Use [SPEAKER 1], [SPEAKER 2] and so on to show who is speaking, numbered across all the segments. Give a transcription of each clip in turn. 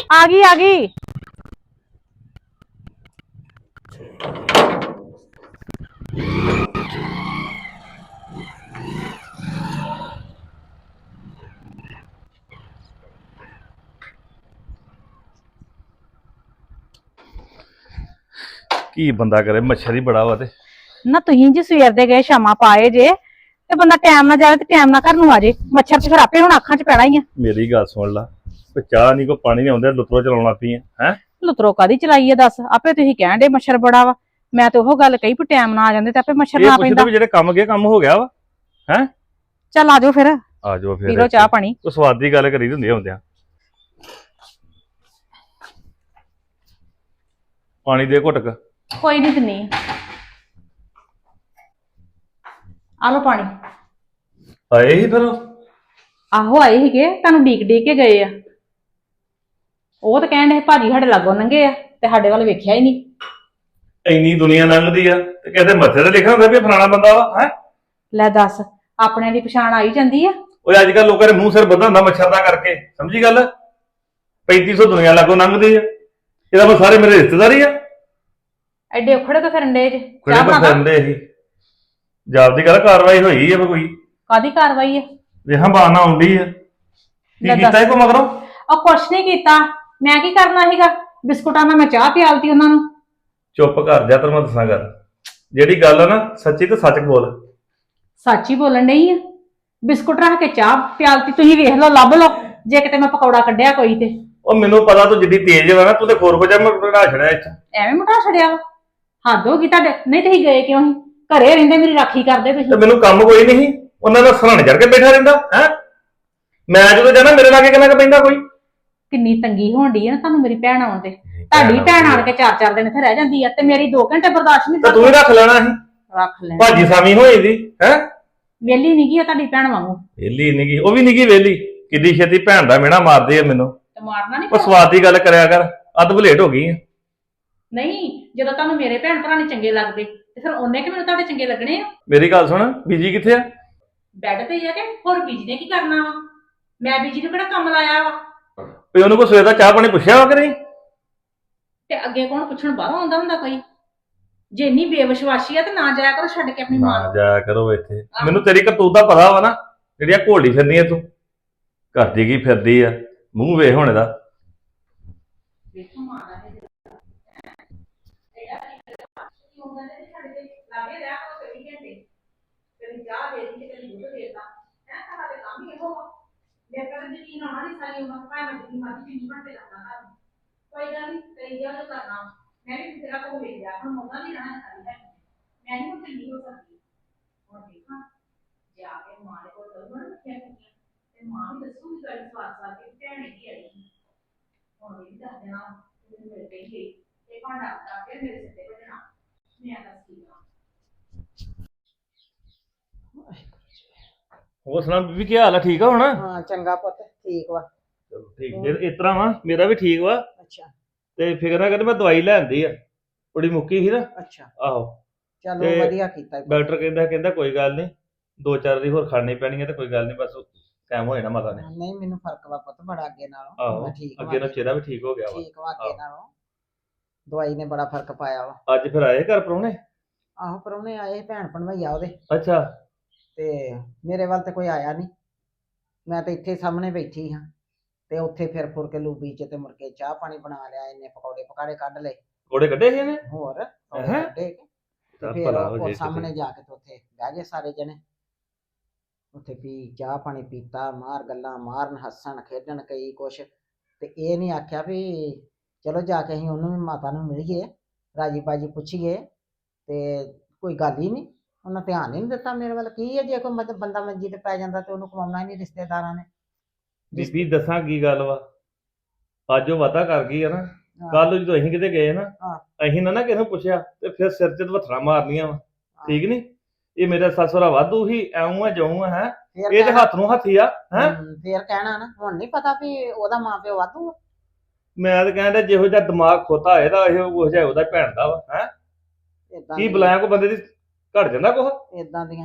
[SPEAKER 1] ਆ ਗਈ ਆ ਗਈ।
[SPEAKER 2] ਕੀ ਬੰਦਾ ਕਰੇ, ਮੱਛਰ ਹੀ ਬੜਾ ਵਾ। ਤੇ
[SPEAKER 1] ਨਾ ਤੁਸੀਂ ਜੀ ਸਵੇਰ ਦੇ ਗਏ ਸ਼ਾਮਾਂ ਪਾਏ ਜੇ ਤੇ ਬੰਦਾ ਟਾਈਮ ਨਾਲ ਜਾਵੇ ਤੇ ਟਾਈਮ ਨਾਲ ਘਰ ਨੂੰ ਆ ਜੇ। ਮੱਛਰ ਤੇ ਫਿਰ ਆਪੇ ਹੁਣ ਅੱਖਾਂ 'ਚ ਪੈਣਾ ਹੀ ਆ।
[SPEAKER 2] ਮੇਰੀ ਗੱਲ ਸੁਣ ਲਾ, ਕੋਈ ਚਾਹ ਨਹੀਂ ਕੋਈ ਪਾਣੀ ਨਹੀਂ ਆਉਂਦਾ, ਲੁੱਤਰੋ ਚਲਾਉਣ ਲੱਗ ਪਈ ਹੈ।
[SPEAKER 1] ਲੁਤਰੋ ਕਾਦੀ ਚਲਾਈ ਆ ਦੱਸ? ਆਪੇ ਤੁਸੀਂ ਕਹਿਣ ਦੇ ਮੱਛਰ ਬੜਾ ਵਾ। ਮੈਂ ਤਾਂ ਉਹ ਗੱਲ ਕਹੀ ਵੀ ਟਾਈਮ ਨਾਲ ਆ ਜਾਂਦੇ ਤੇ ਆਪੇ ਮੱਛਰ ਨਾ ਪੈਂਦਾ।
[SPEAKER 2] ਵੀ ਜਿਹੜੇ ਕੰਮ ਗਏ ਕੰਮ ਹੋ ਗਿਆ ਵਾ ਹੈ।
[SPEAKER 1] ਚੱਲ ਆ ਜਾਓ ਫਿਰ,
[SPEAKER 2] ਆ ਜਾਓ ਫਿਰ
[SPEAKER 1] ਪੀ ਲਓ ਚਾਹ ਪਾਣੀ।
[SPEAKER 2] ਉਹ ਸਵਾਦ ਦੀ ਗੱਲ ਕਰੀ ਹੁੰਦੀ ਹੁੰਦਿਆਂ। ਪਾਣੀ ਦੇ ਘੁੱਟਕ।
[SPEAKER 1] ਕੋਈ ਨਹੀਂ ਦਿੰਨੀ ਆ ਲਓ ਪਾਣੀ।
[SPEAKER 2] ਆਏ ਹੀ ਫਿਰ?
[SPEAKER 1] ਆਹੋ ਆਏ ਸੀਗੇ, ਤੁਹਾਨੂੰ ਡੀਕ ਕੇ ਗਏ ਆ। ਉਹ ਤਾਂ ਕਹਿਣ ਦੇ ਭਾਜੀ ਸਾਡੇ ਲਾਗੋਂ ਲੰਘੇ ਆ ਤੇ ਸਾਡੇ ਵੱਲ ਵੇਖਿਆ ਹੀ ਨਹੀਂ।
[SPEAKER 2] ਇੰਨੀ ਦੁਨੀਆ ਲੰਘਦੀ ਆ ਤੇ ਕਹਿੰਦੇ ਮੱਥੇ ਤੇ ਲਿਖਿਆ ਹੁੰਦਾ ਵੀ ਫਲਾਣਾ ਬੰਦਾ ਵਾ ਹੈ।
[SPEAKER 1] ਲੈ ਦੱਸ, ਆਪਣਿਆਂ ਦੀ ਪਛਾਣ ਆਈ ਜਾਂਦੀ ਆ।
[SPEAKER 2] ਉਹ ਅੱਜ ਕੱਲ ਲੋਕਾਂ ਦੇ ਮੂੰਹ ਸਿਰ ਬੱਧਾ ਹੁੰਦਾ ਮੱਛਰ ਦਾ ਕਰਕੇ, ਸਮਝੀ ਗੱਲ? 3500 ਦੁਨੀਆ ਲਾਗੋਂ ਲੰਘਦੀ ਆ, ਇਹਦਾ ਮੈਂ ਸਾਰੇ ਮੇਰੇ ਰਿਸ਼ਤੇਦਾਰੀ ਆ।
[SPEAKER 1] ਐਡੇ ਉਖੜੇ ਤੋਂ ਫਿਰਨ ਡੇ ਜੇ।
[SPEAKER 2] ਕਿਹੜੇ ਤੋਂ ਫਿਰਦੇ ਸੀ? ਜਾਬ ਦੀ ਗੱਲ ਕਾਰਵਾਈ ਹੋਈ ਆ ਕੋਈ?
[SPEAKER 1] ਕਾਦੀ ਕਾਰਵਾਈ ਆ?
[SPEAKER 2] ਵੇਖਾਂ ਬਾਨਾ ਆਉਂਦੀ ਆ। ਕੀ ਕੀਤਾ ਇਹ ਕੋ ਮਗਰੋਂ?
[SPEAKER 1] ਉਹ ਕੁਛ ਨਹੀਂ ਕੀਤਾ। ਮੈਂ ਕੀ ਕਰਨਾ ਸੀਗਾ? ਬਿਸਕੁਟਾਂ ਨਾਲ ਮੈਂ ਚਾਹ ਪਿਆਲਤੀ ਉਹਨਾਂ ਨੂੰ।
[SPEAKER 2] ਚੁੱਪ ਕਰ ਜਾ, ਤੈਨੂੰ ਮੈਂ ਦੱਸਾਂ ਗੱਲ। ਜਿਹੜੀ ਗੱਲ ਆ ਨਾ ਸੱਚੀ ਤੇ ਸੱਚ ਬੋਲ।
[SPEAKER 1] ਸੱਚ ਹੀ ਬੋਲਣ ਡਈ ਆ। ਬਿਸਕੁਟ ਰੱਖ ਕੇ ਚਾਹ ਪਿਆਲਤੀ, ਤੁਸੀਂ ਵੇਖ ਲਓ ਲੱਭ ਲਓ ਜੇ ਕਿਤੇ ਮੈਂ ਪਕੌੜਾ ਕੱਢਿਆ ਕੋਈ ਤੇ।
[SPEAKER 2] ਉਹ ਮੈਨੂੰ ਪਤਾ ਤੂੰ ਜਿੱਡੀ ਤੇਜ਼ ਵਾ ਨਾ, ਤੂੰ ਤੇ ਖੋਰ ਹੋ ਜਾ, ਮੈਂ ਬਣਾ ਛੜਿਆ ਇੱਥੇ।
[SPEAKER 1] ਐਵੇਂ ਮੁਠਾ ਛੜਿਆ ਵਾ? ਹੱਦ ਹੋ ਗਈ ਤੁਹਾਡੇ। ਨਹੀਂ ਤੁਸੀਂ ਗਏ ਕਿਉਂ ਸੀ? ਘਰੇ ਰਹਿੰਦੇ ਮੇਰੀ ਰਾਖੀ ਕਰਦੇ
[SPEAKER 2] ਤੇ
[SPEAKER 1] ਤੁਸੀਂ।
[SPEAKER 2] ਮੈਨੂੰ ਕੰਮ ਕੋਈ ਨਹੀਂ, ਉਹਨਾਂ ਦਾ ਸਰਾਣੇ ਚੜ ਕੇ ਬੈਠਾ ਰਹਿੰਦਾ ਹੈ। ਮੈਂ ਜਦੋਂ ਜਾਣਾ ਮੇਰੇ ਲਾਗੇ ਕਿੰਨਾ ਕੁ ਪੈਂਦਾ ਕੋਈ?
[SPEAKER 1] ਕਿੰਨੀ ਤੰਗੀ ਹੋਣ ਡਈ ਆ ਨਾ ਤੁਹਾਨੂੰ ਮੇਰੀ ਭੈਣ ਆਉਣ ਤੇ। ਤੁਹਾਡੀ ਭੈਣ ਆਣ ਕੇ 4-4 ਦਿਨ ਇੱਥੇ ਰਹਿ ਜਾਂਦੀ ਆ ਤੇ ਮੇਰੀ 2 ਘੰਟੇ ਬਰਦਾਸ਼ਤ ਨਹੀਂ
[SPEAKER 2] ਤੇ ਤੂੰ ਹੀ ਰੱਖ ਲੈਣਾ ਸੀ।
[SPEAKER 1] ਰੱਖ ਲੈ।
[SPEAKER 2] ਭਾਜੀ ਸਾਮੀ ਹੋਈ ਦੀ ਹੈ।
[SPEAKER 1] ਵੇਲੀ ਨਹੀਂ ਗਈ ਤੁਹਾਡੀ ਭੈਣ ਵਾਂਗੂ।
[SPEAKER 2] ਵੇਲੀ ਨਹੀਂ ਗਈ, ਉਹ ਵੀ ਨਹੀਂ ਗਈ ਵੇਲੀ। ਕਿੱਡੀ ਛੇਤੀ ਭੈਣ ਦਾ ਮਿਹਣਾ ਮਾਰਦੇ ਆ ਮੈਨੂੰ।
[SPEAKER 1] ਤੇ ਮਾਰਨਾ ਨਹੀਂ?
[SPEAKER 2] ਉਹ ਸਵਾਦ ਦੀ ਗੱਲ ਕਰਿਆ ਕਰ, ਅੱਧ ਬਲੇਟ ਹੋ ਗਈ ਆ।
[SPEAKER 1] ਨਹੀਂ, ਜਦੋਂ ਤੁਹਾਨੂੰ ਮੇਰੇ ਭੈਣ ਭਰਾ ਨਹੀਂ ਚੰਗੇ ਲੱਗਦੇ ਤੇ ਫਿਰ ਉਹਨੇ ਕਿ ਮੈਨੂੰ ਤੁਹਾਡੇ ਚੰਗੇ ਲੱਗਣੇ ਆ।
[SPEAKER 2] ਮੇਰੀ ਗੱਲ ਸੁਣ, ਬੀਜੀ ਕਿੱਥੇ ਆ?
[SPEAKER 1] ਬੈੱਡ ਤੇ ਹੀ ਆ ਕਿ ਹੋਰ ਬੀਜੀ ਨੇ ਕੀ ਕਰਨਾ ਵਾ? ਮੈਂ ਬੀਜੀ ਨੂੰ ਕਿਹੜਾ ਕੰਮ ਲਾਇਆ ਵਾ?
[SPEAKER 2] ਵੀ ਉਹਨੂੰ ਕੋਈ ਸਵੇਰ ਦਾ ਚਾਹ ਪਾਣੀ ਪੁੱਛਿਆ ਵਾ ਕਿ ਨਹੀਂ?
[SPEAKER 1] ਤੇ ਅੱਗੇ ਕੌਣ ਪੁੱਛਣ? ਬਾਹਰੋਂ ਆਉਂਦਾ ਹੁੰਦਾ ਕੋਈ? ਜੇ ਇੰਨੀ ਬੇਵਿਸ਼ਵਾਸੀ ਆ ਤੇ ਨਾ ਜਾਇਆ ਕਰੋ ਛੱਡ ਕੇ ਆਪਣੀ ਮਾਂ ਨੂੰ।
[SPEAKER 2] ਨਾ ਜਾਇਆ ਕਰੋ ਇੱਥੇ। ਮੈਨੂੰ ਤੇਰੀ ਕਰਤੂਤ ਦਾ ਪਤਾ ਵਾ ਨਾ, ਜਿਹੜੀਆਂ ਘੋਲਦੀ ਫਿਰਦੀ ਆ ਤੂੰ। ਕਰਦੀ ਕੀ ਫਿਰਦੀ ਆ, ਮੂੰਹ ਵੇਖ ਹੁਣ ਇਹਦਾ।
[SPEAKER 1] ਵੇਖੋ ਮਾਂ ਦਾ ਲਾਗੇ ਰਿਹਾ ਕਰੋ 24 ਘੰਟੇ। ਕਦੀ ਚਾਹ ਦੇ ਦੀ ਤੇ ਕਦੀ ਦੁੱਧ ਦੇਤਾ ਹੈ। ਤੁਹਾਡੇ ਕੰਮ ਹੀ ਇਹੋ ਵਾ। ਮੇਰੇ ਕੋਲ ਯਕੀਨ ਆਉਣਾ ਨਹੀਂ ਸਾਰੀ ਉਮਰ ਭਾਵੇਂ ਮੈਂ ਜਿੰਨੀ ਮਰਜ਼ੀ ਜਿੰਨੀ ਘੰਟੇ ਲੱਗਦਾ ਘਰ। ਕੋਈ ਗੱਲ ਨਹੀਂ, ਕਈ ਜਗ੍ਹਾ ਤੋਂ ਕਰਨਾ। ਮੈਂ ਵੀ ਤੇਰਾ ਕੋਲ ਵੇਖ ਲਿਆ, ਹੁਣ ਮੌਕਾ ਨਹੀਂ ਰਹਿਣਾ ਸਾਰੀ ਹੈ। ਮੈਂ ਨਹੀਂ ਹੁਣ ਢਿੱਲੀ ਹੋ ਸਕਦੀ। ਹੁਣ ਦੇਖਾਂ ਜਾ ਕੇ ਮਾਂ ਦੇ ਕੋਲ ਕਰੂੰਗਾ ਨਾ ਰੱਖਿਆ ਕੁੜੀਆਂ ਤੇ ਮਾਂ ਵੀ ਦੱਸੂਗੀ ਗੱਲ ਸਵਾਦ ਕੇ ਭੈਣ ਹੀ ਆਈ। ਹੁਣ ਵੀ ਦੱਸ ਦੇਣਾ ਮੈਨੂੰ ਮਿਲ ਗਈ ਇਹ ਭਾਂਡਾ ਆ ਕੇ ਮੇਰੇ ਸਿਰ ਤੇ ਵੱਜਣਾ। ਮੈਂ ਦੱਸ ਕੀ ਕਰਾਂ।
[SPEAKER 2] ਹੋਰ ਸੁਣਾ ਬੀਬੀ, ਕੀ ਹਾਲ ਆ? ਠੀਕ ਆ ਹੁਣ?
[SPEAKER 3] ਹਾਂ ਚੰਗਾ ਪੁੱਤ, ਠੀਕ ਵਾ।
[SPEAKER 2] ਚਲੋ ਠੀਕ। ਇਸ ਤਰ੍ਹਾਂ ਵਾ, ਮੇਰਾ ਵੀ ਠੀਕ ਵਾ।
[SPEAKER 3] ਅੱਛਾ
[SPEAKER 2] ਤੇ ਫਿਕਰ ਨਾ ਕਰ, ਮੈਂ ਦਵਾਈ ਲੈ ਆਂਦੀ ਆ, ਬੜੀ ਮੁੱਕੀ ਸੀ ਨਾ।
[SPEAKER 3] ਅੱਛਾ,
[SPEAKER 2] ਆਹੋ,
[SPEAKER 3] ਚਲੋ
[SPEAKER 2] ਤੇ
[SPEAKER 3] ਵਧੀਆ ਕੀਤਾ ਪੁੱਤ।
[SPEAKER 2] ਡਾਕਟਰ ਕਹਿੰਦਾ ਕੋਈ ਗੱਲ ਨਹੀਂ, 2-4 ਦੀ ਹੋਰ ਖਾਣੀ ਪੈਣੀ ਹੈ ਤੇ ਕੋਈ ਗੱਲ ਨਹੀਂ, ਬਸ ਟਾਈਮ ਹੋ ਜਾਣਾ ਮਾਤਾ ਨੇ।
[SPEAKER 3] ਨਹੀਂ ਮੈਨੂੰ ਫਰਕ ਵਾ ਪੁੱਤ ਬੜਾ ਅੱਗੇ ਨਾਲੋਂ।
[SPEAKER 2] ਆਹੋ,
[SPEAKER 3] ਮੈਂ ਠੀਕ
[SPEAKER 2] ਅੱਗੇ ਨਾਲ
[SPEAKER 3] ਵਾ।
[SPEAKER 2] ਚਿਹਰਾ ਵੀ ਠੀਕ ਹੋ ਗਿਆ ਵਾ।
[SPEAKER 3] ਠੀਕ ਵਾ ਅੱਗੇ ਨਾਲੋਂ। ਦਵਾਈ ਨੇ ਬੜਾ ਫਰਕ ਪਾਇਆ ਵਾ।
[SPEAKER 2] ਅੱਜ ਫਿਰ ਆਏ ਘਰ ਪ੍ਰਾਹੁਣੇ?
[SPEAKER 3] ਆਹੋ ਪ੍ਰਾਹੁਣੇ ਆਏ, ਭੈਣ ਭਣਵਈਆ ਉਹਦੇ।
[SPEAKER 2] ਅੱਛਾ।
[SPEAKER 3] ਤੇ ਮੇਰੇ ਵੱਲ ਤੇ ਕੋਈ ਆਇਆ ਨਹੀਂ। ਮੈਂ ਤਾਂ ਇੱਥੇ ਸਾਹਮਣੇ ਬੈਠੀ ਹਾਂ ਤੇ ਉੱਥੇ ਫਿਰ ਫੁਰ ਕੇ ਲੂਬੀ ਚ ਤੇ ਮੁੜ ਕੇ ਚਾਹ ਪਾਣੀ ਬਣਾ ਲਿਆ। ਇਹਨੇ ਪਕੌੜੇ ਪਕਾੜੇ ਕੱਢ ਲਏ।
[SPEAKER 2] ਕੋੜੇ ਕੱਢੇ ਸੀ ਇਹਨੇ?
[SPEAKER 3] ਹੋਰ ਪਕੌੜੇ ਕੱਢੇ ਤੇ ਫਿਰ
[SPEAKER 2] ਭਲਾ ਹੋ
[SPEAKER 3] ਉਹ
[SPEAKER 2] ਜੇ
[SPEAKER 3] ਸਾਹਮਣੇ ਜਾ ਕੇ ਤੇ ਉੱਥੇ ਬਹਿ ਗਏ ਸਾਰੇ ਜਣੇ। ਉੱਥੇ ਪੀ ਚਾਹ ਪਾਣੀ ਪੀਤਾ, ਮਾਰ ਗੱਲਾਂ ਮਾਰਨ, ਹੱਸਣ ਖੇਡਣ ਕਈ ਕੁਛ। ਤੇ ਇਹ ਨਹੀਂ ਆਖਿਆ ਵੀ ਚਲੋ ਜਾ ਕੇ ਅਸੀਂ ਉਹਨੂੰ ਵੀ ਮਾਤਾ ਨੂੰ ਮਿਲੀਏ, ਰਾਜੀ ਬਾਜੀ ਪੁੱਛੀਏ। ਤੇ ਕੋਈ ਗੱਲ ਹੀ ਨਹੀਂ, ਉਹਨਾਂ ਧਿਆਨ ਹੀ ਨਹੀਂ ਦਿੱਤਾ ਮੇਰੇ ਵੱਲ। ਕੀ ਹੈ ਜੇ ਕੋਈ ਮਤਲਬ ਬੰਦਾ ਮੰਜੀ ਤੇ ਪੈ ਜਾਂਦਾ ਤੇ ਉਹਨੂੰ ਕਮਾਉਣਾ ਹੀ ਨਹੀਂ ਰਿਸ਼ਤੇਦਾਰਾਂ ਨੇ।
[SPEAKER 2] ਬੀਬੀ ਦੱਸਾਂ ਕੀ ਗੱਲ ਵਾ, ਅੱਜ ਉਹ ਵਾਅਦਾ ਕਰ ਗਈ ਆ ਨਾ, ਕੱਲ ਜਦੋਂ ਅਸੀਂ ਕਿਤੇ ਗਏ ਨਾ, ਅਸੀਂ ਨਾ ਕਿਸੇ ਨੂੰ ਪੁੱਛਿਆ ਤੇ ਫਿਰ ਸਿਰ 'ਚ ਵੱਥਰਾ ਮਾਰਨੀਆਂ ਵਾ। ਠੀਕ ਨੀ? ਇਹ ਮੇਰਾ ਸੱਸੁਰਾ ਵਾਧੂ ਹੀ ਐਉਂ ਆ ਜਾਉਂ ਆ ਹੈ। ਇਹ ਤੇ ਹੱਥ ਨੂੰ ਹੱਥੀ ਆ ਹੈ।
[SPEAKER 3] ਫੇਰ ਕਹਿਣਾ ਨਾ, ਹੁਣ ਨਹੀਂ ਪਤਾ ਵੀ ਉਹਦਾ ਮਾਂ ਪਿਓ ਵਾਧੂ ਆ।
[SPEAKER 2] ਮੈਂ ਤਾਂ ਕਹਿੰਦਾ ਜਿਹੋ ਜਿਹਾ ਦਿਮਾਗ ਖੋਤਾ ਇਹਦਾ, ਇਹੋ ਜਿਹਾ ਉਹਦਾ ਭੈਣ ਦਾ ਵਾ ਹੈ। ਕੀ ਬੁਲਾਇਆ ਕੋ ਬੰਦੇ ਦੀ ਘੜ ਜਾਂਦਾ ਕੁਛ?
[SPEAKER 3] ਏਦਾਂ ਦੀਆਂ ਹੀ ਆ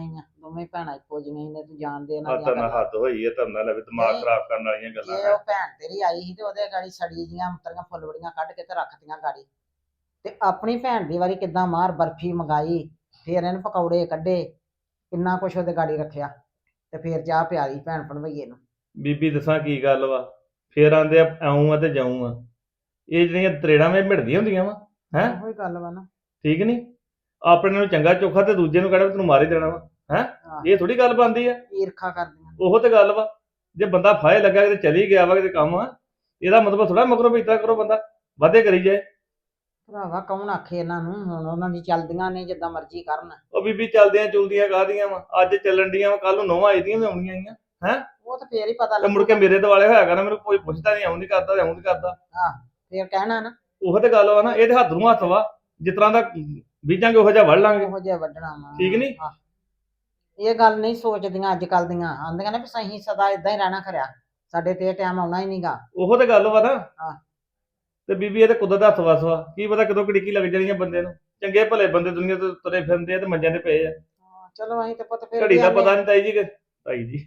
[SPEAKER 3] ਦੋਵੇਂ ਭੈਣਾਂ ਇੱਕੋ ਜਿਹੀਆਂ ਹੀ ਨੇ, ਤੂੰ ਜਾਣਦੇ ਇਹਨਾਂ
[SPEAKER 2] ਆ
[SPEAKER 3] ਦੀਆਂ
[SPEAKER 2] ਤਾਂ ਨਾ
[SPEAKER 3] ਗੱਲਾਂ।
[SPEAKER 2] ਹੱਦ ਹੋਈ ਹੈ, ਤਾਂ ਨਾ ਲਵੇ ਦਿਮਾਗ
[SPEAKER 3] ਨਹੀਂ,
[SPEAKER 2] ਖਰਾਬ ਕਰਨ ਵਾਲੀਆਂ ਗੱਲਾਂ
[SPEAKER 3] ਜੇ
[SPEAKER 2] ਹੈ।
[SPEAKER 3] ਉਹ ਭੈਣ ਤੇਰੀ ਆਈ ਸੀ ਤੇ ਉਹਦੇ ਗਾੜੀ ਸੜੀ ਦੀਆਂ ਅੰਤਰੀਆਂ ਫੁੱਲਵੜੀਆਂ ਕੱਢ ਕੇ ਤੇ ਰੱਖਤੀਆਂ ਗਾੜੀ, ਤੇ ਆਪਣੀ ਭੈਣ ਦੀ ਵਾਰੀ ਕਿੱਦਾਂ ਮਾਰ ਬਰਫੀ ਮੰਗਾਈ, ਫੇਰ ਇਹਨੇ ਪਕੌੜੇ ਕੱਢੇ, ਕਿੰਨਾ ਕੁਛ ਉਹਦੇ ਗਾੜੀ ਰੱਖਿਆ, ਤੇ ਫੇਰ ਚਾਹ ਪਿਆਲੀ ਭੈਣ ਭਣਵਈਏ ਨੂੰ।
[SPEAKER 2] ਬੀਬੀ ਦੱਸਾਂ ਕੀ ਗੱਲ ਵਾ, ਫੇਰ ਆਂਦੇ ਆ ਆਉਂ ਆ ਤੇ ਜਾਊਂ ਆ, ਇਹ ਜਿਹੜੀਆਂ ਤਰੇੜਾਂ ਵਿੱਚ ਮਿਟਦੀਆਂ ਹੁੰਦੀਆਂ ਵਾ ਹੈਂ,
[SPEAKER 3] ਉਹੀ ਗੱਲ ਵਾ ਨਾ।
[SPEAKER 2] ਠੀਕ ਨਹੀਂ? ਆਪਣੇ ਨੂੰ ਚੰਗਾ ਚੋਖਾ ਤੇ ਦੂਜੇ ਨੂੰ ਕਹਿਣਾ ਵੀ ਤੈਨੂੰ ਮਾਰ ਹੀ ਦੇਣਾ ਵਾ ਹੈ,
[SPEAKER 3] ਆਹ,
[SPEAKER 2] ਇਹ ਥੋੜੀ ਗੱਲ ਬਣਦੀ ਆ।
[SPEAKER 3] ਈਰਖਾ ਕਰਦੀਆਂ।
[SPEAKER 2] ਉਹ ਤੇ ਗੱਲ ਵਾ, ਜੇ ਬੰਦਾ ਫਾਇ ਲੱਗਾ ਕਿਤੇ ਚਲੀ ਗਿਆ ਵਾ ਕਿਤੇ ਕੰਮ ਆ, ਇਹਦਾ ਮਤਲਬ ਥੋੜਾ ਮਗਰੋਂ ਵੀ ਇਤਰਾ ਕਰੋ ਬੰਦਾ ਵਾਧੇ ਕਰੀ ਜਾਏ।
[SPEAKER 3] ਭਰਾਵਾ ਕੌਣ ਆਖੇ ਇਹਨਾਂ ਨੂੰ, ਹੁਣ ਉਹਨਾਂ ਦੀ ਚੱਲਦੀਆਂ ਨੇ ਜਿੱਦਾਂ ਮਰਜ਼ੀ ਕਰਨ।
[SPEAKER 2] ਉਹ ਬੀਬੀ ਚੱਲਦੀਆਂ ਚੁਲਦੀਆਂ ਕਾਹਦੀਆਂ ਵਾ, ਅੱਜ ਚੱਲਣ ਡੀਆਂ ਵਾ, ਕੱਲ ਨੂੰ ਨੋਵਾਂ ਆਈਆਂ ਵੀ ਆਉਣੀਆਂ ਆਈਆਂ
[SPEAKER 3] ਉਹ ਤਾਂ ਫੇਰ ਹੀ ਪਤਾ
[SPEAKER 2] ਤੇ ਮੁੜ ਕੇ
[SPEAKER 3] ਲੱਗੂਗਾ।
[SPEAKER 2] ਮੇਰੇ ਦੁਆਲੇ ਹੋਇਆ ਕਰਨਾ, ਮੈਨੂੰ ਕੋਈ ਪੁੱਛਦਾ ਨਹੀਂ, ਆਉਂ ਨਹੀਂ ਕਰਦਾ ਆਉਂ ਨਹੀਂ ਕਰਦਾ।
[SPEAKER 3] ਫੇਰ ਕਹਿਣਾ ਨਾ
[SPEAKER 2] ਉਹ ਤੇ ਗੱਲ ਵਾ ਨਾ, ਇਹਦੇ ਹੱਥ ਨੂੰ ਹੱਥ ਵਾ, ਜਿਸ ਤਰ੍ਹਾਂ ਦਾ ਬੀਜਾਂਗੇ ਉਹੋ ਜਿਹਾ ਵੜ ਲਾਂਗੇ,
[SPEAKER 3] ਉਹੋ ਜਿਹਾ ਵੱਢਣਾ ਵਾ।
[SPEAKER 2] ਠੀਕ ਨੀ?
[SPEAKER 3] ਆਹ, ਇਹ ਗੱਲ ਨਹੀਂ ਸੋਚਦੀਆਂ ਅੱਜ ਕੱਲ ਦੀਆਂ, ਆਂਦੀਆਂ ਨੇ ਵੀ ਸਹੀ ਸਦਾ ਇਦਾਂ ਹੀ ਰਹਿਣਾ ਖਰਿਆ, ਸਾਡੇ ਤੇ ਇਹ ਟਾਈਮ ਆਉਣਾ ਹੀ ਨਹੀਂਗਾ।
[SPEAKER 2] ਉਹ ਤੇ ਗੱਲ ਵਾ ਨਾ।
[SPEAKER 3] ਹਾਂ।
[SPEAKER 2] ਤੇ ਬੀਬੀ ਇਹ ਤੇ ਕੁਦਰਤ ਦਾ ਹੱਥ ਵਸ ਵਾ, ਕੀ ਪਤਾ ਕਦੋਂ ਕਿੜਕੀ ਲੱਗ ਜਾਣੀ ਆ ਬੰਦੇ ਨੂੰ। ਚੰਗੇ ਭਲੇ ਬੰਦੇ ਦੁਨੀਆ ਤੋਂ ਤੁਰੇ ਫਿਰਦੇ ਆ ਤੇ ਮੰਜਿਆਂ ਤੇ ਪਏ ਆ,
[SPEAKER 3] ਚਲੋ ਅਸੀਂ ਤੇ ਪੁੱਤ ਫਿਰ
[SPEAKER 2] ਘੜੀ
[SPEAKER 3] ਵੀ
[SPEAKER 2] ਦਾ
[SPEAKER 3] ਆਨੇ
[SPEAKER 2] ਪਤਾ ਨਹੀਂ ਤਾਈ ਜੀ ਤਾਈ ਜੀ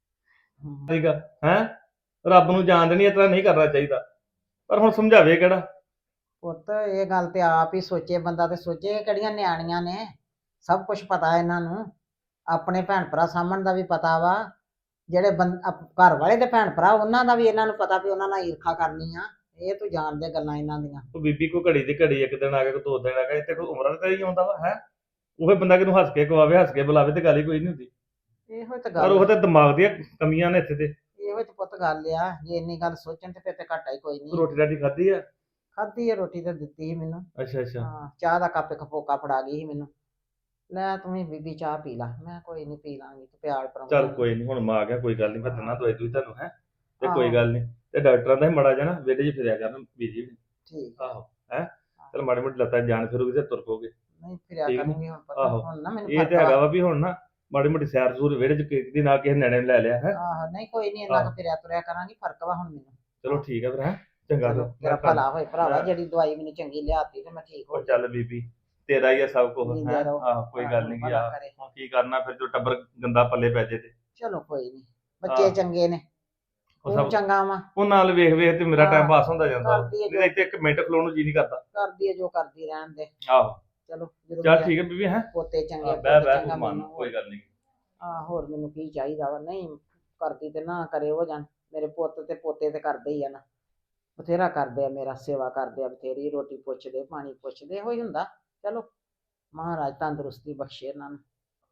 [SPEAKER 3] ਹਮ,
[SPEAKER 2] ਠੀਕ ਆ ਹੈ, ਰੱਬ ਨੂੰ ਜਾਣਦੇ ਨਹੀਂ, ਇਸ ਤਰ੍ਹਾਂ ਨਹੀਂ ਕਰਨਾ ਚਾਹੀਦਾ, ਪਰ ਹੁਣ ਸਮਝਾਵੇ ਕਿਹੜਾ।
[SPEAKER 3] ਪੁੱਤ ਇਹ ਗੱਲ ਤੇ ਆਪ ਹੀ ਸੋਚੇ ਬੰਦਾ, ਤੇ ਸੋਚੇ ਇਹ ਕਿਹੜੀਆਂ ਨਿਆਣੀਆਂ ਨੇ, ਸਭ ਕੁਝ ਪਤਾ ਇਹਨਾਂ ਨੂੰ, ਆਪਣੇ ਭੈਣ ਭਰਾ ਸਾਹਮਣ ਦਾ ਵੀ ਪਤਾ ਵਾ, ਜਿਹੜੇ ਘਰ ਵਾਲੇ ਦੇ ਭੈਣ ਭਰਾ ਉਹਨਾਂ ਦਾ ਵੀ ਇਹਨਾਂ ਨੂੰ ਪਤਾ ਵੀ ਉਹਨਾਂ ਨਾਲ ਈਰਖਾ ਕਰਨੀ ਆ, ਇਹ ਤੂੰ ਜਾਣਦੇ ਗੱਲਾਂ ਇਹਨਾਂ ਦੀਆਂ।
[SPEAKER 2] ਉਹ ਬੀਬੀ ਕੋ ਘੜੀ ਦੀ ਘੜੀ ਇੱਕ ਦਿਨ ਆ ਗਿਆ, ਕੋਈ 2 ਦਿਨ ਆ ਗਿਆ, ਇੱਥੇ ਕੋਈ ਉਮਰਾਂ ਤੇ ਹੀ ਆਉਂਦਾ ਵਾ ਹੈ। ਉਹ ਬੰਦਾ ਕਿਹਨੂੰ ਹੱਸ ਕੇ ਖਵਾਵੇ, ਹੱਸ ਕੇ ਬੁਲਾਵੇ ਤੇ ਗੱਲ ਹੀ ਕੋਈ ਨਹੀਂ ਹੁੰਦੀ,
[SPEAKER 3] ਇਹੋ ਤੇ
[SPEAKER 2] ਪਰ ਉਹ
[SPEAKER 3] ਗੱਲ,
[SPEAKER 2] ਤੇ ਦਿਮਾਗ ਦੀਆਂ ਕਮੀਆਂ ਨੇ ਇੱਥੇ ਤੇ।
[SPEAKER 3] ਇਹੋ ਤੇ ਪੁੱਤ ਗੱਲ ਆ, ਜੇ ਇੰਨੀ ਗੱਲ ਸੋਚਣ ਤੇ ਫਿਰ ਤੇ ਘਾਟਾ ਹੀ ਕੋਈ ਨਹੀਂ।
[SPEAKER 2] ਰੋਟੀ ਰਾਟੀ ਖਾਧੀ ਆ?
[SPEAKER 3] ਖਾਧੀ ਹੈ ਰੋਟੀ ਤੇ ਦਿੱਤੀ ਸੀ ਮੈਨੂੰ।
[SPEAKER 2] ਅੱਛਾ ਅੱਛਾ।
[SPEAKER 3] ਹਾਂ, ਚਾਹ ਦਾ ਕੱਪ ਇੱਕ ਫੋਕਾ ਫੜਾ ਗਈ ਸੀ ਮੈਨੂੰ, ਲੈ ਤੂੰ ਵੀ ਬੀਬੀ ਚਾਹ ਪੀ ਲਾ, ਮੈਂ ਕੋਈ ਨਹੀਂ ਪੀ ਲਾਂਗੀ, ਤੂੰ ਪਿਆਲ ਪਰਾਉਂਦਾ।
[SPEAKER 2] ਚੱਲ ਕੋਈ ਨਹੀਂ, ਹੁਣ ਮੈਂ ਆ ਗਿਆ, ਕੋਈ ਗੱਲ ਨਹੀਂ, ਮੈਂ ਦਿਨਾ ਦਵਾਈ ਦੂਈ ਤੁਹਾਨੂੰ ਹੈ, ਤੇ
[SPEAKER 3] ਆਹੋ।
[SPEAKER 2] ਕੋਈ ਗੱਲ ਨਹੀਂ। ਤੇ ਡਾਕਟਰਾਂ ਦਾ ਹੀ ਮੜਾ ਜਾਣਾ ਵਿਹੜੇ 'ਚ ਫਿਰਿਆ ਕਰਨ ਬੀਜੀ ਵੀ।
[SPEAKER 3] ਠੀਕ
[SPEAKER 2] ਆਹੋ ਹੈ, ਚਲ ਮਾੜੀ ਮੋਟੀ ਲੱਤਾਂ 'ਚ ਜਾਨ ਫਿਰੂਗੀ ਤੇ ਤੁਰ ਪੋਗੇ।
[SPEAKER 3] ਨਹੀਂ ਫਿਰਿਆ
[SPEAKER 2] ਠੀਕ ਨੀ?
[SPEAKER 3] ਕਰੂੰਗੀ ਹੁਣ, ਪਤਾ
[SPEAKER 2] ਆਹੋ।
[SPEAKER 3] ਹੁਣ ਨਾ ਮੈਨੂੰ
[SPEAKER 2] ਇਹ
[SPEAKER 3] ਫਰਕ
[SPEAKER 2] ਤੇ ਹੈਗਾ
[SPEAKER 3] ਵਾ।
[SPEAKER 2] ਵਾ ਵੀ ਹੁਣ ਨਾ ਮਾੜੀ ਮੋਟੀ ਸੈਰ ਸੂਰ ਵਿਹੜੇ 'ਚ ਕਿਸੇ ਦੀ ਨਾਲ ਕਿਸੇ ਨਿਆਣੇ ਨੂੰ ਲੈ ਲਿਆ ਹੈ।
[SPEAKER 3] ਆਹੋ, ਨਹੀਂ ਕੋਈ ਨਹੀਂ, ਇੰਨਾ
[SPEAKER 2] ਆਹੋ।
[SPEAKER 3] ਕੁ ਫਿਰਿਆ ਤੁਰਿਆ ਕਰਾਂਗੀ, ਫਰਕ ਵਾ ਹੁਣ ਮੈਨੂੰ।
[SPEAKER 2] ਚਲੋ ਠੀਕ ਹੈ ਫਿਰ ਹੈ, ਚੰਗਾ
[SPEAKER 3] ਚਲੋ
[SPEAKER 2] ਫਿਰ
[SPEAKER 3] ਤੇਰਾ
[SPEAKER 2] ਮੈਂ
[SPEAKER 3] ਭਲਾ ਹੋਏ ਭਰਾਵਾ,
[SPEAKER 2] ਹਾਂ।
[SPEAKER 3] ਜਿਹੜੀ ਦਵਾਈ ਮੈਨੂੰ ਚੰਗੀ ਲਿਆਤੀ ਤੇ ਮੈਂ ਠੀਕ ਹੋ
[SPEAKER 2] ਉਹ ਚੱਲ ਬੀਬੀ ਤੇਰਾ ਹੀ ਆ ਸਭ ਕੁਝ
[SPEAKER 3] ਜਿੰਦਾ
[SPEAKER 2] ਹੈ।
[SPEAKER 3] ਰਹੋ।
[SPEAKER 2] ਆਹੋ ਕੋਈ ਗੱਲ ਨਹੀਂ
[SPEAKER 3] ਭਲਾ
[SPEAKER 2] ਆ,
[SPEAKER 3] ਕਰੇ।
[SPEAKER 2] ਹੁਣ ਕੀ ਕਰਨਾ ਫਿਰ, ਜੋ ਟੱਬਰ ਗੰਦਾ ਪੱਲੇ ਪੈ ਜੇ ਤੇ
[SPEAKER 3] ਚਲੋ ਕੋਈ ਨਹੀਂ, ਬੱਚੇ
[SPEAKER 2] ਆਹ।
[SPEAKER 3] ਚੰਗੇ ਨੇ,
[SPEAKER 2] ਉਹ
[SPEAKER 3] ਤੂੰ
[SPEAKER 2] ਸਭ
[SPEAKER 3] ਚੰਗਾ ਵਾ,
[SPEAKER 2] ਉਹ ਨਾਲ ਵੇਖ ਵੇਖ ਤੇ ਮੇਰਾ
[SPEAKER 3] ਹਾਂ।
[SPEAKER 2] ਟਾਈਮ ਪਾਸ ਹੁੰਦਾ ਜਾਂਦਾ ਵਾ।
[SPEAKER 3] ਕਰਦੀ ਹੈ
[SPEAKER 2] ਨਹੀਂ ਤਾਂ ਇੱਥੇ 1 ਮਿੰਟ ਖਲੋਣ ਨੂੰ ਜੀ ਨਹੀਂ ਕਰਦਾ।
[SPEAKER 3] ਕਰਦੀ ਹੈ ਜੋ ਕਰਦੀ ਰਹਿਣ ਦੇ।
[SPEAKER 2] ਆਹੋ
[SPEAKER 3] ਚਲੋ ਜਦੋਂ
[SPEAKER 2] ਚੱਲ
[SPEAKER 3] ਮੇਰੇ
[SPEAKER 2] ਠੀਕ ਹੈ ਬੀਬੀ ਹੈ,
[SPEAKER 3] ਪੋਤੇ ਚੰਗੇ,
[SPEAKER 2] ਬਹਿ
[SPEAKER 3] ਪੁੱਤ
[SPEAKER 2] ਬਹਿ
[SPEAKER 3] ਚੰਗਾ
[SPEAKER 2] ਤੂੰ ਮੰਨ,
[SPEAKER 3] ਮੈਨੂੰ।
[SPEAKER 2] ਕੋਈ ਗੱਲ ਨਹੀਂ।
[SPEAKER 3] ਹੋਰ ਮੈਨੂੰ ਕੀ ਚਾਹੀਦਾ ਵਾ, ਨਹੀਂ ਕਰਦੀ ਤੇ ਨਾ ਕਰੇ ਉਹ ਜਾਣ, ਮੇਰੇ ਪੁੱਤ ਤੇ ਪੋਤੇ ਤੇ ਕਰਦੇ ਹੀ ਆ ਨਾ, ਬਥੇਰਾ ਕਰਦੇ ਆ, ਮੇਰਾ ਸੇਵਾ ਕਰਦੇ ਆ ਬਥੇਰੀ, ਰੋਟੀ ਪੁੱਛਦੇ, ਪਾਣੀ ਪੁੱਛਦੇ, ਇਹੋ ਹੀ ਹੁੰਦਾ। ਚਲੋ ਮਹਾਰਾਜ ਤੰਦਰੁਸਤੀ ਬਖਸ਼ੇ ਇਹਨਾਂ ਨੂੰ।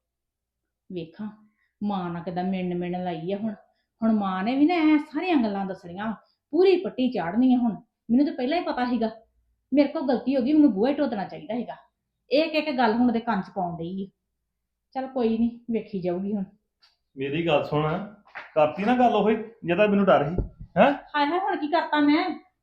[SPEAKER 4] ਵੇਖਾਂ ਮਾਂ ਨਾਲ ਕਿੱਦਾਂ ਮਿੰਨ ਲਾਈ ਆ। ਹੁਣ ਮਾਂ ਨੇ ਵੀ ਨਾ ਇਹ ਸਾਰੀਆਂ ਗੱਲਾਂ ਦੱਸਣੀਆਂ, ਪੂਰੀ ਪੱਟੀ ਚਾੜਨੀ ਆ। ਹੁਣ ਮੈਨੂੰ ਤਾਂ ਪਹਿਲਾਂ ਹੀ ਪਤਾ ਸੀਗਾ ਮੇਰੇ ਕੋਲ ਗਲਤੀ ਹੋ ਗਈ, ਮੈਨੂੰ ਬੂਹਾ ਹੀ ਟੋਦਣਾ ਚਾਹੀਦਾ ਸੀਗਾ। ਇੱਕ ਗੱਲ ਹੁਣ ਉਹਦੇ ਕੰਨ 'ਚ ਪਾਉਣ ਡਈ ਆ। ਚੱਲ ਕੋਈ ਨਹੀਂ, ਵੇਖੀ ਜਾਊਗੀ ਹੁਣ।
[SPEAKER 2] ਮੇਰੀ ਗੱਲ ਸੁਣ, ਕਰਤੀ ਨਾ ਗੱਲ ਉਹੀ ਜਿਹਦਾ ਮੈਨੂੰ ਡਰ ਸੀ ਹੈ।
[SPEAKER 4] ਹਾਏ ਹਾਏ, ਹੁਣ ਕੀ ਕਰਤਾ ਮੈਂ?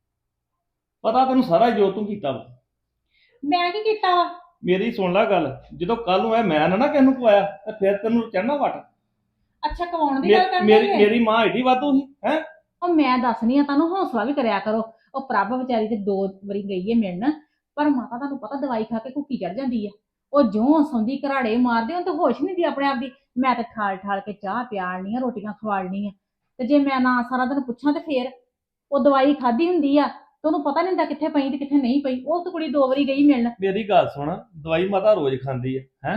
[SPEAKER 2] ਪਤਾ ਤੈਨੂੰ ਸਾਰਾ ਜੋ ਤੂੰ ਕੀਤਾ ਵਾ।
[SPEAKER 4] ਮੈਂ ਕੀ ਕੀਤਾ ਵਾ?
[SPEAKER 2] ਮੇਰੀ ਸੁਣ ਲੈ ਗੱਲ, ਜਦੋਂ ਕੱਲ ਨੂੰ ਇਹ ਮੈਂ ਨਾ ਕਿਸ ਨੂੰ ਪਵਾਇਆ ਤੇ ਫਿਰ ਤੈਨੂੰ ਚੜਨਾ ਵਟ।
[SPEAKER 4] ਅੱਛਾ, ਕਵਾਉਣ ਦੀ ਗੱਲ ਕਰਦੇ
[SPEAKER 2] ਮੇਰੀ
[SPEAKER 4] ਜੇ?
[SPEAKER 2] ਮੇਰੀ ਮਾਂ ਏਡੀ ਵਾਧੂ ਸੀ ਹੈ।
[SPEAKER 4] ਉਹ ਮੈਂ ਦੱਸਣੀ ਆ ਤੁਹਾਨੂੰ, ਹੌਸਲਾ ਵੀ ਕਰਿਆ ਕਰੋ। ਉਹ ਪ੍ਰਭ ਵਿਚਾਰੀ ਤੇ 2 ਵਾਰੀ ਗਈ ਹੈ ਮਿਲਣ, ਪਰ ਮਾਤਾ ਤੁਹਾਨੂੰ ਪਤਾ ਦਵਾਈ ਖਾ ਕੇ ਭੁੱਖੀ ਚੜ ਜਾਂਦੀ ਆ। ਉਹ ਜਿਉਂ ਸੌਂਦੀ ਘਰਾੜੇ ਮਾਰਦੇ, ਉਹਨੂੰ ਤਾਂ ਹੋਸ਼ ਨਹੀਂ ਦੀ ਆਪਣੇ ਆਪ ਦੀ। ਮੈਂ ਤਾਂ ਠਾਲ ਕੇ ਚਾਹ ਪਿਆਲਣੀ ਆ, ਰੋਟੀਆਂ ਖਵਾਲਣੀ ਆ, ਤੇ ਜੇ ਮੈਂ ਨਾ ਸਾਰਾ ਦਿਨ ਪੁੱਛਾਂ ਤੇ ਫੇਰ ਉਹ ਦਵਾਈ ਖਾਧੀ ਹੁੰਦੀ ਆ ਤੇ ਉਹਨੂੰ ਪਤਾ ਨਹੀਂ ਹੁੰਦਾ ਕਿੱਥੇ ਪਈ ਤੇ ਕਿੱਥੇ ਨਹੀਂ ਪਈ। ਉਹ ਤਾਂ ਕੁੜੀ 2 ਵਾਰੀ ਗਈ ਮਿਲਣ।
[SPEAKER 2] ਮੇਰੀ ਗੱਲ ਸੁਣ, ਦਵਾਈ ਮਾਤਾ ਰੋਜ਼ ਖਾਂਦੀ ਹੈ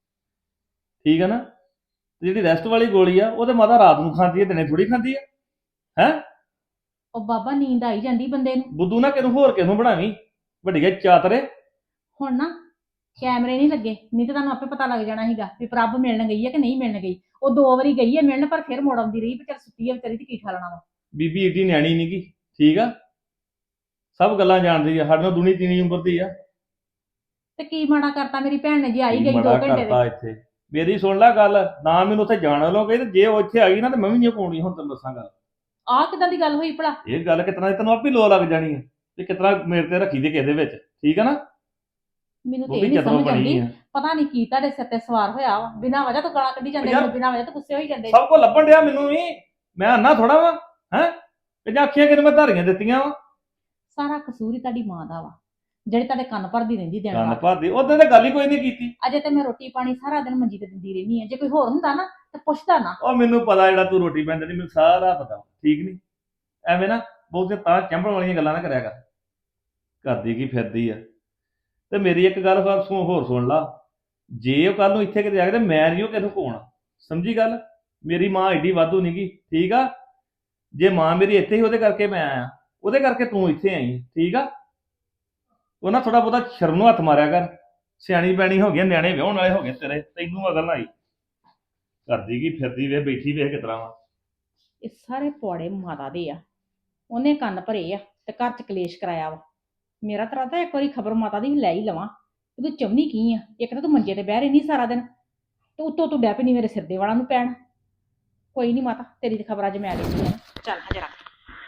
[SPEAKER 2] ਠੀਕ ਹੈ ਨਾ। ਤੇ ਜਿਹੜੀ ਰੈਸਟ ਵਾਲੀ ਗੋਲੀ ਆ ਉਹ ਤੇ ਮਾਤਾ ਰਾਤ ਨੂੰ ਖਾਂਦੀ ਹੈ, ਦਿਨੇ ਥੋੜੀ ਖਾਂਦੀ ਹੈ।
[SPEAKER 4] ਉਹ ਬਾਬਾ ਨੀਂਦ ਆਈ ਜਾਂਦੀ ਬੰਦੇ ਨੂੰ।
[SPEAKER 2] ਬੁੱਧੂ ਨਾ ਕਿਨੂੰ ਹੋਰ ਕਿਨੂੰ ਬਣਾਵੀਂ ਵੱਡੀਆਂ ਚਾਤਰੇ।
[SPEAKER 4] ਹੁਣ ਨਾ ਕੈਮਰੇ ਨਹੀਂ ਲੱਗੇ, ਨਹੀਂ ਤਾਂ ਤੁਹਾਨੂੰ ਆਪੇ ਪਤਾ ਲੱਗ ਜਾਣਾ ਸੀਗਾ ਵੀ ਪ੍ਰਭ ਮਿਲਣ ਗਈ ਹੈ ਕਿ ਨਹੀਂ ਮਿਲਣ ਗਈ। ਉਹ 2 ਵਾਰੀ ਗਈ ਹੈ ਮਿਲਣ, ਪਰ ਫਿਰ ਮੁੜ ਆਉਂਦੀ ਰਹੀ ਵੀ ਚੱਲ ਸੁੱਤੀ ਹੈ ਵਿਚਾਰੀ ਤੇ ਕੀ ਠਾਲਣਾ ਵਾ।
[SPEAKER 2] ਬੀਬੀ ਏਡੀ ਨਿਆਣੀ ਨੀ ਗੀ, ਠੀਕ ਆ, ਸਭ ਗੱਲਾਂ ਜਾਣਦੀ ਆ, ਸਾਡੇ ਨਾਲ ਦੁਨੀ ਤੀਨੀ ਉਮਰ ਦੀ ਆ।
[SPEAKER 4] ਤੇ ਕੀ ਮਾੜਾ ਕਰਤਾ ਮੇਰੀ ਭੈਣ ਨੇ, ਜੇ ਆਈ ਗਈ 2
[SPEAKER 2] ਬੜਾ
[SPEAKER 4] ਘੰਟੇ
[SPEAKER 2] ਕਰਤਾ
[SPEAKER 4] ਦੇ।
[SPEAKER 2] ਇੱਥੇ। ਮੇਰੀ ਸੁਣ ਲੈ ਗੱਲ, ਨਾ ਮੈਨੂੰ ਉੱਥੇ ਜਾਣ ਲੋਗੇ, ਤੇ ਜੇ ਉਹ ਇੱਥੇ ਆ ਗਈ ਨਾ ਤੇ ਮੈਂ ਵੀ ਨਹੀਂ ਪਾਉਣੀ। ਹੁਣ ਤੈਨੂੰ ਦੱਸਾਂ ਗੱਲ,
[SPEAKER 4] ਆਹ ਕਿਦਾਂ ਦੀ ਗੱਲ ਹੋਈ ਭਲਾ?
[SPEAKER 2] ਇਹ ਗੱਲ ਕਿਤਨਾ ਤੈਨੂੰ ਆਪੇ ਲੋ ਲੱਗ ਜਾਣੀ ਹੈ ਤੇ ਕਿਤਨਾ ਮੇਰੇ ਤੇ ਰੱਖੀ ਦੇ ਕਿਸੇ ਦੇ ਵਿੱਚ, ਠੀਕ ਆ ਨਾ।
[SPEAKER 4] ਮੈਨੂੰ ਤੇ
[SPEAKER 2] ਉਹ
[SPEAKER 4] ਇਹ
[SPEAKER 2] ਵੀ
[SPEAKER 4] ਨਹੀਂ
[SPEAKER 2] ਚਤਰੋਂ
[SPEAKER 4] ਸਮਝ
[SPEAKER 2] ਬਣੀ
[SPEAKER 4] ਆਉਂਦੀ,
[SPEAKER 2] ਆ।
[SPEAKER 4] ਪਤਾ ਨਹੀਂ ਕੀ ਤੁਹਾਡੇ ਸਿਰ ਤੇ ਸਵਾਰ ਹੋਇਆ ਵਾ। ਬਿਨਾਂ ਵਜ੍ਹਾ ਤੋਂ ਗਾਲਾਂ ਕੱਢੀ ਜਾਂਦੇ,
[SPEAKER 2] ਯਾਰ,
[SPEAKER 4] ਮੈਨੂੰ ਬਿਨਾਂ ਵਜ੍ਹਾ ਤੋਂ ਗੁੱਸੇ ਹੋਈ ਜਾਂਦੇ।
[SPEAKER 2] ਸਭ ਕੋ ਲੱਭਣ ਡਿਆ ਮੈਨੂੰ ਵੀ, ਮੈਂ ਅੰਨਾ ਥੋੜਾ ਵਾ ਹੈ। ਤੇ ਜਾਂ ਅੱਖੀਆਂ ਕਿਨੂੰ ਮੈਂ ਧਾਰੀਆਂ ਦਿੱਤੀਆਂ ਵਾ।
[SPEAKER 4] ਸਾਰਾ ਕਸੂਰ ਹੀ ਤੁਹਾਡੀ ਮਾਂ ਦਾ ਵਾ। ਜਿਹੜੇ ਤੁਹਾਡੇ ਕੰਨ ਭਰਦੀ ਰਹਿੰਦੀ ਦਿਨ
[SPEAKER 2] ਕੰਨ
[SPEAKER 4] ਰਾਤ।
[SPEAKER 2] ਭਰਦੀ ਉਹਦੇ ਤੇ ਗੱਲ ਹੀ ਕੋਈ ਨਹੀਂ ਕੀਤੀ।
[SPEAKER 4] ਅਜੇ ਤੇ ਮੈਂ ਰੋਟੀ ਪਾਣੀ ਸਾਰਾ ਦਿਨ ਮੰਜੀ ਤੇ ਦਿੰਦੀ ਰਹਿੰਦੀ ਆ, ਜੇ ਕੋਈ ਹੋਰ ਹੁੰਦਾ ਨਾ ਤੇ ਪੁੱਛਦਾ ਨਾ।
[SPEAKER 2] ਉਹ ਮੈਨੂੰ ਪਤਾ ਜਿਹੜਾ ਤੂੰ ਰੋਟੀ ਪੈਂਦੀ ਨਹੀਂ, ਮੈਨੂੰ ਸਾਰਾ ਪਤਾ, ਠੀਕ ਨਹੀਂ? ਐਵੇਂ ਨਾ ਬਹੁਤੇ ਤਾਂ ਚੰਬਲ ਵਾਲੀਆਂ ਗੱਲਾਂ ਨਾ ਕਰਿਆ ਕਰ। ਕਰਦੀ ਕੀ ਫਿਰਦੀ ਆ। ਤੇ ਮੇਰੀ ਇੱਕ ਗੱਲ ਹੋਰ ਸੁਣ ਲਾ, ਜੇ ਉਹ ਕੱਲ ਨੂੰ ਇੱਥੇ ਕਿਤੇ ਆ ਗਏ ਤੇ ਮੈਂ ਨਹੀਂ ਉਹ ਕਿਹਨੂੰ ਕੋਣਾ, ਸਮਝੀ ਗੱਲ? ਮੇਰੀ ਮਾਂ ਏਡੀ ਵਾਧੂ ਨਹੀਂ ਗੀ, ਠੀਕ ਆ? ਜੇ ਮਾਂ ਮੇਰੀ ਇੱਥੇ ਹੀ ਉਹਦੇ ਕਰਕੇ ਮੈਂ ਆਇਆ, ਉਹਦੇ ਕਰਕੇ ਤੂੰ ਇੱਥੇ ਆਈ, ਠੀਕ ਆ? ਉਹ ਨਾ ਥੋੜਾ ਬਹੁਤਾ ਸ਼ਰਮ ਨੂੰ ਹੱਥ ਮਾਰਿਆ ਕਰ। ਸਿਆਣੀ ਬੈਣੀ ਹੋ ਗਈ, ਨਿਆਣੇ ਵਿਆਹੁਣ ਵਾਲੇ ਹੋ ਗਏ ਤੇਰੇ, ਤੈਨੂੰ ਅਕਲ ਨਾ ਆਈ। ਕਰਦੀ ਕੀ ਫਿਰਦੀ ਵੇ, ਬੈਠੀ ਵੇਖ ਕਿਤਰਾ ਵਾ।
[SPEAKER 4] ਇਹ ਸਾਰੇ ਪੌੜੇ ਮਾਤਾ ਦੇ ਆ, ਉਹਨੇ ਕੰਨ ਭਰੇ ਆ ਤੇ ਘਰ ਚ ਕਲੇਸ਼ ਕਰਾਇਆ ਵਾ। ਮੇਰਾ ਤਾਂ ਰਾਤਾ ਇੱਕ ਵਾਰੀ ਖਬਰ ਮਾਤਾ ਦੀ ਵੀ ਲੈ ਹੀ ਲਵਾਂ। ਤੂੰ ਚਾਹੁੰਦੀ ਕੀ ਆ? ਇੱਕ ਤਾਂ ਤੂੰ ਮੰਜੇ ਤੇ ਬਹਿ ਰਹਿੰਦੀ ਸਾਰਾ ਦਿਨ, ਤੇ ਉੱਤੋਂ ਤੂੰ ਡੈ ਪਈ ਮੇਰੇ ਸਿਰ ਦੇ ਵਾਲਾਂ ਨੂੰ ਪੈਣ। ਕੋਈ ਨਹੀਂ ਮਾਤਾ, ਤੇਰੀ ਤੇ ਖਬਰ ਅੱਜ ਮੈਂ ਲੈਂਦੀ ਆ। ਚੱਲ ਹਾਂ ਜਰਾ।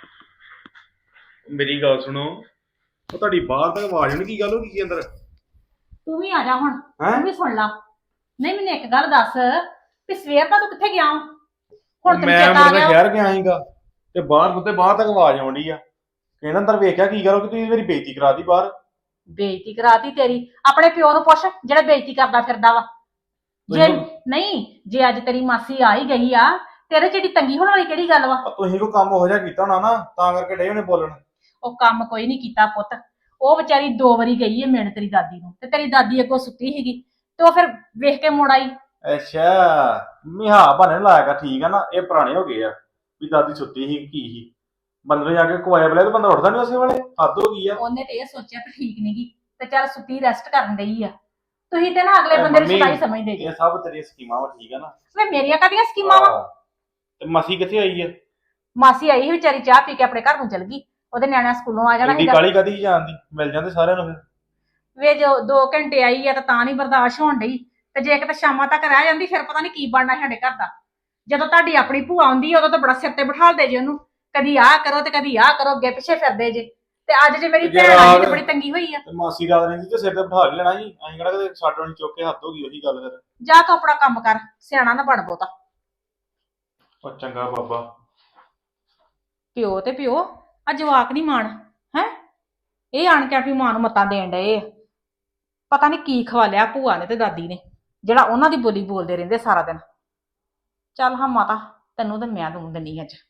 [SPEAKER 5] ਮੇਰੀ ਗੱਲ ਸੁਣੋ, ਉਹ ਤੁਹਾਡੀ ਬਾਹਰ ਤੱਕ ਆਵਾਜ਼ ਨਹੀਂ, ਕੀ ਗੱਲ ਹੋ ਗਈ ਅੰਦਰ?
[SPEAKER 4] ਤੂੰ ਵੀ ਆ ਜਾ ਹੁਣ,
[SPEAKER 5] ਹੈਂ?
[SPEAKER 4] ਤੂੰ ਵੀ ਸੁਣ ਲਾ। ਨਹੀਂ ਮੈਨੂੰ ਇੱਕ ਗੱਲ ਦੱਸ ਵੀ ਸਵੇਰ ਦਾ ਤੂੰ ਕਿੱਥੇ ਗਿਆ ਵਾਂ? ਹੁਣ ਤੈਨੂੰ
[SPEAKER 5] ਮੈਂ
[SPEAKER 4] ਚੇਤਾ ਆ
[SPEAKER 5] ਮੁੰਡੇ
[SPEAKER 4] ਗਿਆ?
[SPEAKER 5] ਸ਼ਹਿਰ ਗਿਆ ਸੀਗਾ ਤੇ ਬਾਹਰ ਤੱਕ ਆਵਾਜ਼ ਆਉਂਦੀ ਆ। ਕਹਿੰਦਾ ਅੰਦਰ ਵੇਖਿਆ ਕੀ ਗੱਲ ਹੋ ਗਈ, ਤੁਸੀਂ ਮੇਰੀ ਬੇਇੱਜ਼ਤੀ ਕਰਾਤੀ ਬਾਹਰ।
[SPEAKER 4] ਬੇਇੱਜ਼ਤੀ ਕਰਾਤੀ ਤੇਰੀ? ਆਪਣੇ ਪਿਓ ਨੂੰ ਪੁੱਛ ਜਿਹੜਾ ਬੇਇੱਜ਼ਤੀ ਕਰਦਾ ਫਿਰਦਾ ਵਾ। ਜੇ ਨਹੀਂ, ਜੇ ਅੱਜ ਤੇਰੀ ਮਾਸੀ ਆ ਹੀ ਗਈ ਆ, ਤੇਰੇ ਚ ਏਡੀ ਤੰਗੀ ਹੋਣ ਵਾਲੀ ਕਿਹੜੀ ਗੱਲ ਵਾ?
[SPEAKER 5] ਤੁਸੀਂ ਕੋਈ ਕੰਮ ਹੋ ਜਾ ਕੀਤਾ ਹੋਣਾ ਨਾ, ਤਾਂ ਕਰਕੇ ਡੇ ਉਹਨੇ ਬੋਲਣ।
[SPEAKER 4] ਉਹ ਕੰਮ ਕੋਈ ਨਹੀਂ ਕੀਤਾ ਪੁੱਤ। ਉਹ ਵਿਚਾਰੀ 2 ਵਾਰੀ ਗਈ ਹੈ ਮਿਲਣ ਤੇਰੀ ਦਾਦੀ ਨੂੰ, ਤੇ ਤੇਰੀ ਦਾਦੀ ਅੱਗੋਂ ਸੁੱਤੀ ਸੀਗੀ ਤੇ ਉਹ ਫਿਰ ਵੇਖ ਕੇ ਮੁੜ ਆਈ।
[SPEAKER 5] ਅੱਛਾ, ਮਿਹਾ ਬਣੇ ਲਾਇਆ ਕਰ, ਠੀਕ ਆ ਨਾ? ਇਹ ਪੁਰਾਣੇ ਹੋ ਗਏ ਆ ਵੀ ਦਾਦੀ ਸੁੱਤੀ ਸੀ ਕੀ ਸੀ, ਬੰਦੇ ਜਾ ਕੇ ਕੁਆਇਆ ਬਲੇ ਤੇ ਬੰਦਾ ਉੱਠਦਾ ਨਹੀਂ ਉਸੇ ਵੇਲੇ, ਹੱਦ ਹੋ ਗਈ ਆ।
[SPEAKER 4] ਉਹਨੇ ਤੇ ਇਹ ਸੋਚਿਆ ਕਿ ਠੀਕ ਨੀ ਗੀ ਤੇ ਚੱਲ ਸੁੱਤੀ ਰੈਸਟ ਕਰਨ ਗਈ ਆ। ਤੁਸੀਂ ਤੇ ਨਾ ਅਗਲੇ ਬੰਦੇ ਨੂੰ
[SPEAKER 5] ਮੰਮੀ,
[SPEAKER 4] ਸਦਾਈ ਸਮਝਦੇ ਜੀ।
[SPEAKER 5] ਇਹ ਸਭ ਤੇਰੀਆਂ ਸਕੀਮਾਂ ਵਾ, ਠੀਕ ਆ ਨਾ?
[SPEAKER 4] ਵੇ ਮੇਰੀਆਂ ਕਾਹਦੀਆਂ ਸਕੀਮਾਂ ਵਾ?
[SPEAKER 5] ਤੇ ਮਾਸੀ ਕਿੱਥੇ ਆਈ ਆ?
[SPEAKER 4] ਮਾਸੀ ਆਈ ਸੀ ਵਿਚਾਰੀ, ਚਾਹ ਪੀ ਕੇ ਆਪਣੇ ਘਰ ਨੂੰ ਚਲ ਗਈ। ਉਹਦੇ ਨਿਆਣਿਆਂ ਸਕੂਲੋਂ ਆ ਜਾਣਾ
[SPEAKER 5] ਏਡੀ
[SPEAKER 4] ਸੀਗਾ।
[SPEAKER 5] ਕਾਲੀ ਕਾਦੀ ਜਾਂਦੀ, ਮਿਲ ਜਾਂਦੇ ਸਾਰਿਆਂ ਨੂੰ ਫਿਰ।
[SPEAKER 4] ਵੇ ਜੋ 2 ਘੰਟੇ ਆਈ ਆ ਤਾਂ ਨਹੀਂ ਬਰਦਾਸ਼ਤ ਹੋਣ ਡਈ, ਤੇ ਜੇ ਕਿਤੇ ਸ਼ਾਮਾਂ ਤੱਕ ਰਹਿ ਜਾਂਦੀ ਫਿਰ ਪਤਾ ਨਹੀਂ ਕੀ ਬਣਨਾ ਸਾਡੇ ਘਰ ਦਾ। ਜਦੋਂ ਤੁਹਾਡੀ ਆਪਣੀ ਭੂਆ ਆਉਂਦੀ ਉਦੋਂ ਤਾਂ ਬੜਾ ਸਿਰ ਤੇ ਬਿਠਾਲਦੇ ਜੇ ਉਹਨੂੰ, ਕਦੀ ਆਹ ਕਰੋ ਤੇ ਕਦੀ ਆਹ ਕਰੋ, ਅੱਗੇ ਪਿੱਛੇ ਫਿਰਦੇ ਜੇ। ਤੇ ਅੱਜ ਜੇ ਮੇਰੀ ਭੈਣ ਆਈ ਤੇ ਬੜੀ ਤੰਗੀ ਹੋਈ ਆ।
[SPEAKER 5] ਤੇ ਮਾਸੀ ਰਾਤ ਰਹਿੰਦੀ ਤੇ ਸਿਰ ਤੇ ਬਿਠਾ ਕੇ ਲੈਣਾ ਸੀ, ਅਸੀਂ ਕਿਹੜਾ ਕਦੇ ਸਾਡੋਂ ਨਹੀਂ ਚੁੱਕ ਕੇ ਹੱਥ ਹੋ ਗਈ ਉਹੀ ਗੱਲ ਫਿਰ।
[SPEAKER 4] ਜਾ ਤੂੰ ਆਪਣਾ ਕੰਮ ਕਰ, ਸਿਆਣਾ ਨਾ ਬਣ ਬਹੁਤਾ।
[SPEAKER 5] ਉਹ ਚੰਗਾ ਬਾਬਾ।
[SPEAKER 4] ਪਿਓ ਤੇ ਪਿਓ, ਆ ਜਵਾਕ ਨਹੀਂ ਮਾਣ ਹੈ। ਇਹ ਆਣ ਕੇ ਆਪਣੀ ਮਾਂ ਨੂੰ ਮੱਤਾਂ ਦੇਣ ਡਏ ਆ। ਪਤਾ ਨਹੀਂ ਕੀ ਖਵਾ ਲਿਆ ਭੂਆ ਨੇ ਤੇ ਦਾਦੀ ਨੇ, ਜਿਹੜਾ ਉਹਨਾਂ ਦੀ ਬੋਲੀ ਬੋਲਦੇ ਰਹਿੰਦੇ ਸਾਰਾ ਦਿਨ। ਚੱਲ ਹਾਂ ਮਾਤਾ, ਤੈਨੂੰ ਤੇ ਮੈਂ ਦੂੰ ਦਿੰਨੀ ਅੱਜ।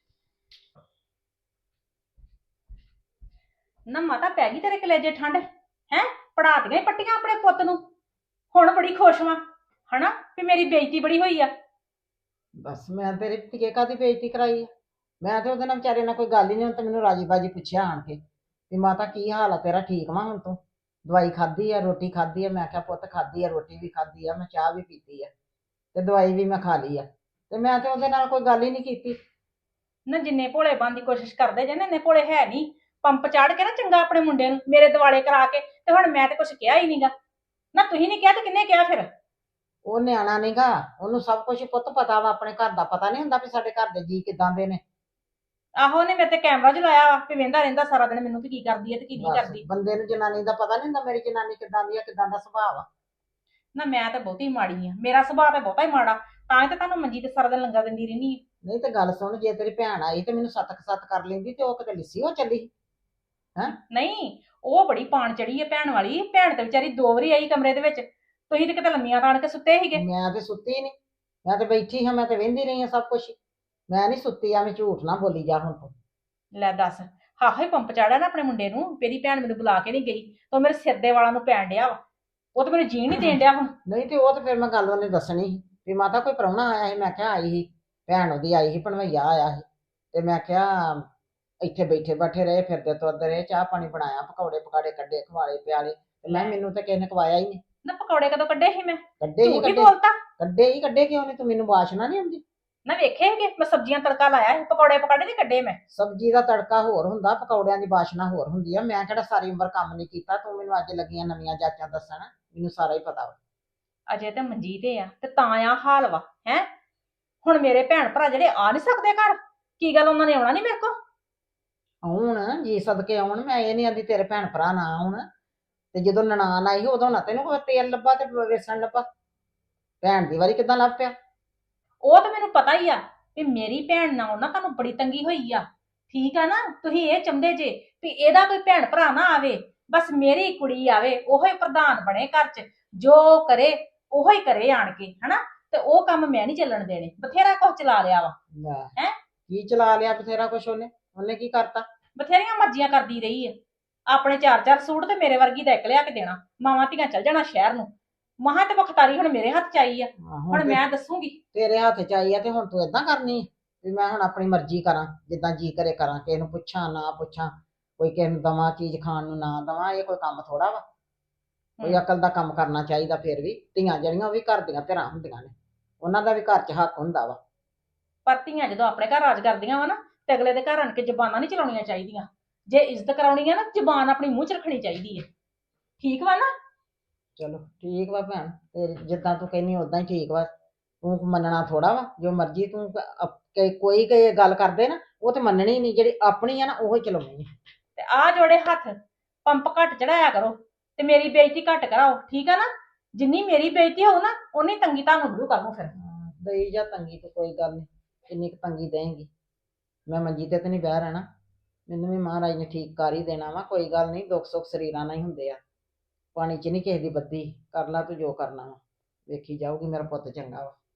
[SPEAKER 4] ਨਾ ਮਾਤਾ, ਪੈ ਗਈ ਤੇਰੇ ਕਲੇਜੇ ਠੰਡ ਹੈ? ਪੜਾਤੀਆਂ ਪੱਟੀਆਂ ਆਪਣੇ ਪੁੱਤ ਨੂੰ, ਹੁਣ ਬੜੀ ਖੁਸ਼ ਵਾਂ ਹਨਾ ਵੀ ਮੇਰੀ ਬੇਇੱਜ਼ਤੀ ਬੜੀ ਹੋਈ ਆ।
[SPEAKER 3] ਬਸ ਮੈਂ ਤੇਰੇ ਧੀਏ ਕਾਹਦੀ ਬੇਇੱਜ਼ਤੀ ਕਰਾਈ ਆ? ਮੈਂ ਤੇ ਉਹਦੇ ਨਾਲ ਵਿਚਾਰੇ ਨਾਲ ਕੋਈ ਗੱਲ ਹੀ ਨਹੀਂ। ਹੁਣ ਤੇ ਮੈਨੂੰ ਰਾਜੀ ਬਾਜੀ ਪੁੱਛਿਆ ਆਣ ਕੇ ਵੀ ਮਾਤਾ ਕੀ ਹਾਲ ਆ ਤੇਰਾ, ਠੀਕ ਵਾ ਹੁਣ ਤੂੰ? ਦਵਾਈ ਖਾਧੀ ਆ, ਰੋਟੀ ਖਾਧੀ ਆ? ਮੈਂ ਕਿਹਾ ਪੁੱਤ ਖਾਧੀ ਆ, ਰੋਟੀ ਵੀ ਖਾਧੀ ਆ, ਮੈਂ ਚਾਹ ਵੀ ਪੀਤੀ ਆ ਤੇ ਦਵਾਈ ਵੀ ਮੈਂ ਖਾ ਲਈ ਆ। ਤੇ ਮੈਂ ਤੇ ਉਹਦੇ ਨਾਲ ਕੋਈ ਗੱਲ ਹੀ ਨਹੀਂ ਕੀਤੀ।
[SPEAKER 4] ਨਾ ਜਿੰਨੇ ਭੋਲੇ ਬਣਨ ਦੀ ਕੋਸ਼ਿਸ਼ ਕਰਦੇ ਜੇ ਨਾ, ਇੰਨੇ ਭੋਲੇ ਹੈ ਨਹੀਂ। ਪੰਪ ਚਾੜ ਕੇ ਨਾ ਚੰਗਾ ਆਪਣੇ ਮੁੰਡੇ ਨੂੰ ਮੇਰੇ ਦਿਵਾਲੇ ਕਰਾ ਕੇ, ਤੇ ਹੁਣ ਮੈਂ ਤੇ ਕੁਛ ਕਿਹਾ ਹੀ ਨਹੀਂਗਾ। ਨਾ ਤੁਸੀਂ ਨਹੀਂ ਕਿਹਾ ਤੇ ਕਿੰਨੇ ਕਿਹਾ ਫਿਰ?
[SPEAKER 3] ਉਹ ਨਿਆਣਾ ਨੀਗਾ, ਉਹਨੂੰ ਸਭ ਕੁਝ ਪੁੱਤ ਪਤਾ ਵਾ। ਆਪਣੇ ਘਰ ਦਾ ਪਤਾ ਨਹੀਂ ਹੁੰਦਾ ਵੀ ਸਾਡੇ ਘਰ ਦੇ ਜੀ ਕਿਦਾਂ ਦੇ ਨੇ।
[SPEAKER 4] ਆਹੋ, ਉਹਨੇ ਮੇਰੇ ਤੇ ਕੈਮਰਾ ਜਲਾਇਆ ਵਾ ਵੀ ਵੇਂਦਾ ਰਹਿੰਦਾ ਸਾਰਾ ਦਿਨ ਮੈਨੂੰ ਵੀ ਕੀ ਕਰਦੀ ਹੈ ਤੇ ਕੀ ਨਹੀਂ
[SPEAKER 3] ਬਸ
[SPEAKER 4] ਕਰਦੀ।
[SPEAKER 3] ਬੰਦੇ ਨੂੰ ਜਨਾਨੀ ਦਾ ਪਤਾ ਨਹੀਂ ਹੁੰਦਾ ਮੇਰੀ ਜਨਾਨੀ ਕਿਦਾਂ ਦੀ ਆ, ਕਿਦਾਂ ਦਾ ਸੁਭਾਅ ਆ।
[SPEAKER 4] ਨਾ ਮੈਂ ਤਾਂ ਬਹੁਤੀ ਮਾੜੀ ਆ, ਮੇਰਾ ਸੁਭਾਅ ਤਾਂ ਬਹੁਤਾ ਹੀ ਮਾੜਾ, ਤਾਂ ਹੀ ਤਾਂ ਤੁਹਾਨੂੰ ਮੰਜੀ ਤੇ ਸਾਰਾ ਦਿਨ ਲੰਗਾ ਦਿੰਦੀ ਰਹਿੰਦੀ ਆ।
[SPEAKER 3] ਨਹੀਂ ਤੇ ਗੱਲ ਸੁਣ, ਜੇ ਤੇਰੀ ਭੈਣ ਆਈ ਤੇ ਮੈਨੂੰ ਸੱਤ ਕਰ ਲੈਂਦੀ ਤੇ ਉਹ ਕਿਤੇ ਲਿੱਸੀ ਹੋ ਚੱਲੀ।
[SPEAKER 4] ਨਹੀਂ, ਉਹ ਬੜੀ ਪਾਣ ਚੜੀ ਹੈ ਭੈਣ ਵਾਲੀ। ਭੈਣ ਤੇ ਵਿਚਾਰੀ 2 ਵਾਰੀ ਆਈ ਕਮਰੇ ਦੇ ਵਿੱਚ, ਤੁਸੀਂ ਤੇ ਕਿਤੇ ਲੰਮੀਆਂ ਤਾਣ ਕੇ ਸੁੱਤੇ ਸੀਗੇ।
[SPEAKER 3] ਮੈਂ ਤੇ ਸੁੱਤੀ ਨਹੀਂ, ਮੈਂ ਤੇ ਬੈਠੀ ਹਾਂ, ਮੈਂ ਤੇ ਵਹਿੰਦੀ ਰਹੀ ਹਾਂ ਸਭ ਕੁਝ। ਮੈਂ ਨਹੀਂ ਸੁੱਤੀ, ਐਵੇਂ ਝੂਠ ਨਾ ਬੋਲੀ ਜਾ ਹੁਣ ਤੂੰ।
[SPEAKER 4] ਲੈ ਦੱਸ, ਹਾਹੇ ਪੰਪ ਚਾੜਿਆ ਨਾ ਆਪਣੇ ਮੁੰਡੇ ਨੂੰ। ਮੇਰੀ ਭੈਣ ਮੈਨੂੰ ਬੁਲਾ ਕੇ ਨਹੀਂ ਗਈ, ਤਾਂ ਮੇਰੇ ਸਿਰ ਦੇ ਵਾਲਾਂ ਨੂੰ ਪੈਣ ਡਿਆ ਵਾ। ਉਹ ਤਾਂ ਮੈਨੂੰ ਜੀਣ ਨਹੀਂ ਦੇਣ ਡਿਆ ਹੁਣ।
[SPEAKER 3] ਨਹੀਂ ਤੇ ਉਹ ਤੇ ਫਿਰ ਮੈਂ ਗੱਲ ਉਹਨੇ ਦੱਸਣੀ ਸੀ ਵੀ ਮਾਤਾ ਕੋਈ ਪ੍ਰਾਹੁਣਾ ਆਇਆ ਸੀ। ਮੈਂ ਕਿਹਾ ਆਈ ਸੀ ਭੈਣ, ਉਹਦੀ ਆਈ ਸੀ, ਭਣਵਈਆ ਆਇਆ ਸੀ। ਤੇ ਮੈਂ ਕਿਹਾ ਇੱਥੇ ਬੈਠੇ ਰਹੇ, ਫਿਰਦੇ ਤੁਰਦੇ ਰਹੇ, ਚਾਹ ਪਾਣੀ ਬਣਾਇਆ, ਪਕੌੜੇ ਪਕਾੜੇ ਕੱਢੇ, ਖਵਾਲੇ ਪਿਆਲੇ। ਤੇ ਲੈ ਮੈਨੂੰ ਤਾਂ ਕਿਸੇ ਨੇ ਖਵਾਇਆ ਹੀ ਨਹੀਂ।
[SPEAKER 4] ਨਾ ਪਕੌੜੇ ਕਦੋਂ ਕੱਢੇ ਸੀ ਮੈਂ?
[SPEAKER 3] ਕੱਢੇ ਹੀ
[SPEAKER 4] ਝੂਠ ਹੀ
[SPEAKER 3] ਕੱਢੇ,
[SPEAKER 4] ਬੋਲਤਾ।
[SPEAKER 3] ਕੱਢੇ ਕਿਉਂ ਨਹੀਂ? ਤੂੰ ਮੈਨੂੰ ਵਾਸ਼ਨਾ ਨਹੀਂ ਆਉਂਦੀ?
[SPEAKER 4] ਨਾ ਵੇਖੇ ਹੈਗੇ, ਮੈਂ ਸਬਜ਼ੀਆਂ ਤੜਕਾ ਲਾਇਆ ਸੀ, ਪਕੌੜੇ ਪਕਾੜੇ ਨਹੀਂ ਕੱਢੇ ਮੈਂ।
[SPEAKER 3] ਸਬਜ਼ੀ ਦਾ ਤੜਕਾ ਹੋਰ ਹੁੰਦਾ, ਪਕੌੜਿਆਂ ਦੀ ਵਾਸ਼ਨਾ ਹੋਰ ਹੁੰਦੀ ਆ। ਮੈਂ ਕਿਹੜਾ ਸਾਰੀ ਉਮਰ ਕੰਮ ਨਹੀਂ ਕੀਤਾ? ਤੂੰ ਮੈਨੂੰ ਅੱਜ ਲੱਗੀਆਂ ਨਵੀਆਂ ਜਾਚਾਂ ਦੱਸਣ, ਮੈਨੂੰ ਸਾਰਾ ਹੀ ਪਤਾ ਵਾ।
[SPEAKER 4] ਅਜੇ ਤੇ ਮੰਜੀ ਤੇ ਆ ਤੇ ਤਾਂ ਆ ਹਾਲ ਵਾ ਹੈ। ਹੁਣ ਮੇਰੇ ਭੈਣ ਭਰਾ ਜਿਹੜੇ ਆ ਨਹੀਂ ਸਕਦੇ ਘਰ, ਕੀ ਗੱਲ ਉਹਨਾਂ ਨੇ ਆਉਣਾ ਨਹੀਂ ਮੇਰੇ ਕੋਲ?
[SPEAKER 3] ਆਉਣ ਜੀ ਸਦਕੇ ਆਉਣ, ਮੈਂ ਇਹ ਨਹੀਂ ਆਂਦੀ ਤੇਰੇ ਭੈਣ ਭਰਾ ਨਾ ਆਉਣ। ਤੇ ਜਦੋਂ ਨਨਾਣ ਆਈ ਉਦੋਂ ਨਾ ਤੈਨੂੰ ਕੋਈ ਤੇਲ ਲੱਭਾ ਤੇ ਵੇਸਣ ਲੱਭਾ। ਭੈਣ ਦੀ ਵਾਰੀ ਕਿੱਦਾਂ ਲੱਭ ਪਿਆ?
[SPEAKER 4] ਉਹ ਤਾਂ ਮੈਨੂੰ ਪਤਾ ਹੀ ਆ ਵੀ ਮੇਰੀ ਭੈਣ ਨਾਲ ਨਾ ਤੁਹਾਨੂੰ ਬੜੀ ਤੰਗੀ ਹੋਈ ਆ। ਠੀਕ ਆ ਨਾ? ਤੁਸੀਂ ਇਹ ਚਾਹੁੰਦੇ ਜੇ ਵੀ ਇਹਦਾ ਕੋਈ ਭੈਣ ਭਰਾ ਨਾ ਆਵੇ, ਬਸ ਮੇਰੀ ਕੁੜੀ ਆਵੇ ਉਹੋ ਹੀ ਪ੍ਰਧਾਨ ਬਣੇ ਘਰ 'ਚ, ਜੋ ਕਰੇ ਉਹੋ ਹੀ ਕਰੇ ਆਣ ਕੇ, ਹਨਾ। ਤੇ ਉਹ ਕੰਮ ਮੈਂ ਨਹੀਂ ਚੱਲਣ ਦੇਣੇ। ਬਥੇਰਾ ਕੁਝ ਚਲਾ ਲਿਆ ਵਾ,
[SPEAKER 3] ਲੈ,
[SPEAKER 4] ਹੈਂ?
[SPEAKER 3] ਕੀ ਚਲਾ ਲਿਆ ਬਥੇਰਾ ਕੁਛ ਉਹਨੇ ਕੀ ਕਰਤਾ?
[SPEAKER 4] ਬਥੇਰੀਆਂ ਮਰਜ਼ੀਆਂ ਕਰਦੀ ਰਹੀ ਹੈ। ਆਪਣੇ 4-4 ਸੂਟ ਤੇ ਮੇਰੇ ਵਰਗੀ ਦਾ ਇੱਕ ਲਿਆ ਕੇ ਦੇਣਾ, ਮਾਵਾਂ ਧੀਆਂ ਚੱਲ ਜਾਣਾ ਸ਼ਹਿਰ ਨੂੰ। ਮਹਾਂ ਤੇ ਬਖਤਾਰੀ ਹੁਣ ਮੇਰੇ ਹੱਥ 'ਚ ਆਈ ਆ, ਹੁਣ
[SPEAKER 3] ਤੇ
[SPEAKER 4] ਮੈਂ ਦੱਸੂਗੀ।
[SPEAKER 3] ਤੇਰੇ ਹੱਥ ਚ ਆਈ ਆ ਤੇ ਹੁਣ ਤੂੰ ਏਦਾਂ ਕਰਨੀ ਆ ਵੀ ਮੈਂ ਹੁਣ ਆਪਣੀ ਮਰਜ਼ੀ ਕਰਾਂ, ਜਿੱਦਾਂ ਜੀ ਕਰੇ ਕਰਾਂ, ਕਿਸੇ ਨੂੰ ਪੁੱਛਾਂ ਨਾ ਪੁੱਛਾਂ, ਕੋਈ ਕਿਸੇ ਨੂੰ ਦਵਾਂ ਚੀਜ਼ ਖਾਣ ਨੂੰ ਨਾ ਦਵਾਂ? ਇਹ ਕੋਈ ਕੰਮ ਥੋੜਾ ਵਾ। ਕੋਈ ਅਕਲ ਦਾ ਕੰਮ ਕਰਨਾ ਚਾਹੀਦਾ। ਫਿਰ ਵੀ ਧੀਆਂ ਜਿਹੜੀਆਂ ਉਹ ਵੀ ਘਰ ਦੀਆਂ ਧਿਰਾਂ ਹੁੰਦੀਆਂ ਨੇ, ਉਹਨਾਂ ਦਾ ਵੀ ਘਰ 'ਚ ਹੱਕ ਹੁੰਦਾ ਵਾ।
[SPEAKER 4] ਪਰ ਧੀਆਂ ਜਦੋਂ ਆਪਣੇ ਘਰ ਰਾਜ ਕਰਦੀਆਂ ਵਾ ਨਾ, ਤੇ ਅਗਲੇ ਦੇ ਘਰ ਆਣ ਕੇ ਜ਼ਬਾਨਾਂ ਨਹੀਂ ਚਲਾਉਣੀਆਂ ਚਾਹੀਦੀਆਂ। ਜੇ ਇੱਜ਼ਤ ਕਰਾਉਣੀ ਆ ਨਾ, ਜ਼ਬਾਨ ਆਪਣੀ ਮੂੰਹ 'ਚ ਰੱਖਣੀ ਚਾਹੀਦੀ ਹੈ। ਠੀਕ ਵਾ ਨਾ?
[SPEAKER 3] ਚਲੋ ਠੀਕ ਵਾ ਭੈਣ, ਤੇ ਜਿੱਦਾਂ ਤੂੰ ਕਹਿੰਦੀ ਉਦਾਂ ਹੀ ਠੀਕ ਵਾ। ਤੂੰ ਮੰਨਣਾ ਥੋੜਾ ਵਾ, ਜੋ ਮਰਜ਼ੀ ਤੂੰ ਕੋਈ ਗੱਲ ਕਰਦੇ ਨਾ, ਉਹ ਤੇ ਮੰਨਣੀ ਨਹੀਂ, ਜਿਹੜੀ ਆਪਣੀ ਆ ਨਾ ਉਹ ਹੀ ਚਲਾਉਣੀ ਆ।
[SPEAKER 4] ਤੇ ਆ ਜੋੜੇ ਹੱਥ, ਪੰਪ ਘੱਟ ਚੜਾਇਆ ਕਰੋ ਤੇ ਮੇਰੀ ਬੇਇੱਜ਼ਤੀ ਘੱਟ ਕਰਾਓ, ਠੀਕ ਆ ਨਾ? ਜਿੰਨੀ ਮੇਰੀ ਬੇਇੱਜ਼ਤੀ ਹੋਊ ਨਾ, ਉਨੀ ਤੰਗੀ ਤੁਹਾਨੂੰ ਮਿਲੂ ਕੱਲ ਨੂੰ। ਫਿਰ
[SPEAKER 3] ਦਈ ਜਾ ਤੰਗੀ, ਤੇ ਕੋਈ ਗੱਲ ਨਹੀਂ, ਕਿੰਨੀ ਕੁ ਤੰਗੀ ਦੇਂਗੀ? ਮੈਂ ਮੰਜੀ ਤੇ ਨਹੀਂ ਬਹਿ ਰਹਿਣਾ, ਮੈਨੂੰ ਵੀ ਮਹਾਰਾਜ ਨੇ ਠੀਕ ਕਰ ਹੀ ਦੇਣਾ ਵਾ। ਕੋਈ ਗੱਲ ਨਹੀਂ, ਦੁੱਖ ਸੁੱਖ ਸਰੀਰਾਂ ਨਾਲ ਹੀ ਹੁੰਦੇ ਆ, ਪਾਣੀ 'ਚ ਨਹੀਂ ਕਿਸੇ ਦੀ ਬੱਦੀ। ਕਰ ਲਾ ਤੂੰ ਜੋ ਕਰਨਾ ਵਾ, ਵੇਖੀ ਜਾਊਗੀ, ਮੇਰਾ ਪੁੱਤ ਚੰਗਾ ਵਾ।